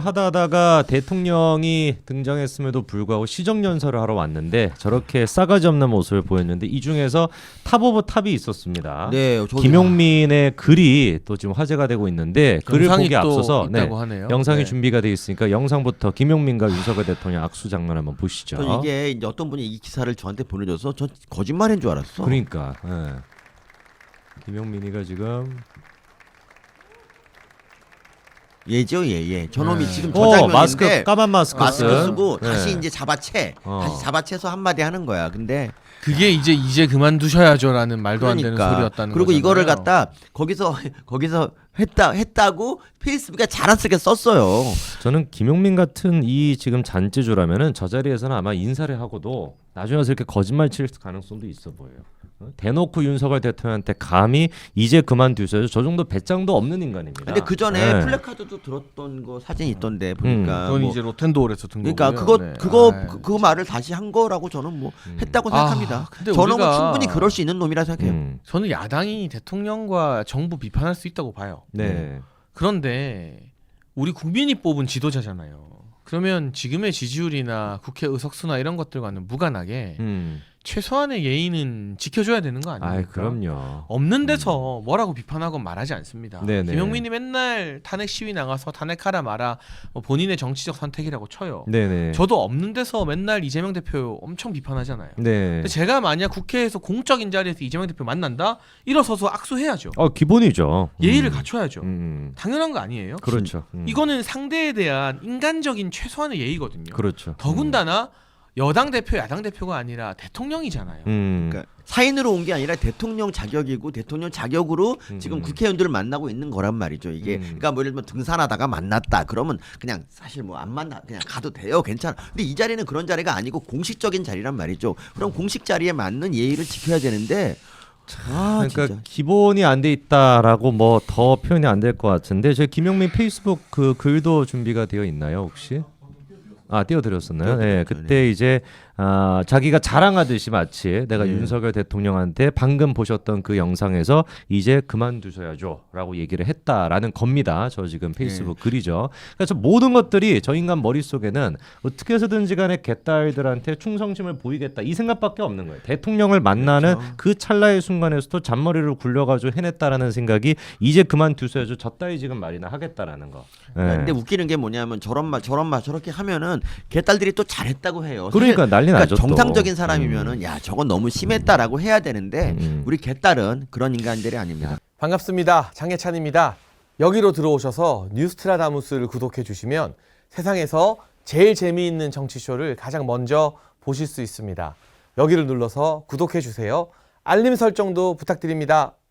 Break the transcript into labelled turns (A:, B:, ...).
A: 하다가 대통령이 등장했음에도 불구하고 시정연설을 하러 왔는데 저렇게 싸가지 없는 모습을 보였는데 이 중에서 탑 오브 탑이 있었습니다.
B: 네,
A: 김용민의 글이 또 지금 화제가 되고 있는데 글을 보기 앞서서 영상이
B: 네.
A: 준비가 돼 있으니까 영상부터 김용민과 윤석열 대통령 악수 장면 한번 보시죠.
B: 이게 이제 어떤 분이 이 기사를 저한테 보내줘서 전 거짓말인 줄 알았어.
A: 그러니까 김용민이가 지금
B: 예죠, 예. 저놈이 지금 저 장면인데
A: 마스크 까만 마스크
B: 쓰고 다시 이제 다시 잡아채서 한마디 하는 거야. 근데
C: 그게 이제 그만두셔야죠라는 말도 안 되는 소리였다는
B: 그리고
C: 거잖아요.
B: 이거를 갖다 거기서 했다고 페이스북에 자랑스럽게 썼어요.
A: 저는 김용민 같은 이 지금 잔재주라면은 저 자리에서는 아마 인사를 하고도 나중에 와서 이렇게 거짓말 칠 가능성도 있어 보여요. 대놓고 윤석열 대통령한테 감히 이제 그만두셔야죠. 저 정도 배짱도 없는 인간입니다.
B: 근데 그 전에 플래카드도 들었던 거 사진 있던데 보니까
C: 그건 이제 로텐도어에서 든
B: 그러니까
C: 거고요.
B: 그 말을 다시 한 거라고 저는 뭐 했다고 생각합니다.
C: 근데
B: 저는
C: 우리가
B: 충분히 그럴 수 있는 놈이라 생각해요.
C: 저는 야당이 대통령과 정부 비판할 수 있다고 봐요.
A: 네.
C: 그런데 우리 국민이 뽑은 지도자잖아요. 그러면 지금의 지지율이나 국회 의석수나 이런 것들과는 무관하게 최소한의 예의는 지켜줘야 되는 거 아닙니까?
A: 그럼요.
C: 없는 데서 뭐라고 비판하고 말하지 않습니다.
A: 네네.
C: 김용민이 맨날 탄핵 시위 나가서 탄핵하라 마라 뭐 본인의 정치적 선택이라고 쳐요.
A: 네네.
C: 저도 없는 데서 맨날 이재명 대표 엄청 비판하잖아요.
A: 네.
C: 근데 제가 만약 국회에서 공적인 자리에서 이재명 대표 만난다? 일어서서 악수해야죠.
A: 기본이죠.
C: 예의를 갖춰야죠. 당연한 거 아니에요?
A: 그렇죠.
C: 이거는 상대에 대한 인간적인 최소한의 예의거든요.
A: 그렇죠.
C: 더군다나 여당 대표, 야당 대표가 아니라 대통령이잖아요.
B: 그러니까 사인으로 온 게 아니라 대통령 자격이고 대통령 자격으로 지금 국회의원들을 만나고 있는 거란 말이죠. 이게 그러니까 뭐 예를 들면 등산하다가 만났다 그러면 그냥 사실 뭐 안 만나 그냥 가도 돼요. 괜찮아. 근데 이 자리는 그런 자리가 아니고 공식적인 자리란 말이죠. 그럼 공식 자리에 맞는 예의를 지켜야 되는데
A: 그러니까
B: 진짜.
A: 기본이 안 돼 있다라고 뭐 더 표현이 안 될 것 같은데 저 김용민 페이스북 그 글도 준비가 되어 있나요 혹시? 띄워드렸었나요? 네, 그때 이제 자기가 자랑하듯이 마치 내가 윤석열 대통령한테 방금 보셨던 그 영상에서 이제 그만두셔야죠라고 얘기를 했다라는 겁니다. 저 지금 페이스북 글이죠. 그래서 모든 것들이 저 인간 머릿속에는 어떻게 해서든지 간에 개딸들한테 충성심을 보이겠다 이 생각밖에 없는 거예요. 대통령을 만나는 그 찰나의 순간에서도 잔머리를 굴려가지고 해냈다라는 생각이 이제 그만두셔야죠. 저 따위 지금 말이나 하겠다라는 거. 네.
B: 근데 웃기는 게 뭐냐면 저런 말 저렇게 하면은 개딸들이 또 잘했다고 해요.
A: 그러니까 난리 나죠.
B: 정상적인 사람이면은 야 저건 너무 심했다라고 해야 되는데 우리 개딸은 그런 인간들이 아닙니다.
D: 반갑습니다. 장혜찬입니다. 여기로 들어오셔서 뉴스트라다무스를 구독해 주시면 세상에서 제일 재미있는 정치쇼를 가장 먼저 보실 수 있습니다. 여기를 눌러서 구독해 주세요. 알림 설정도 부탁드립니다.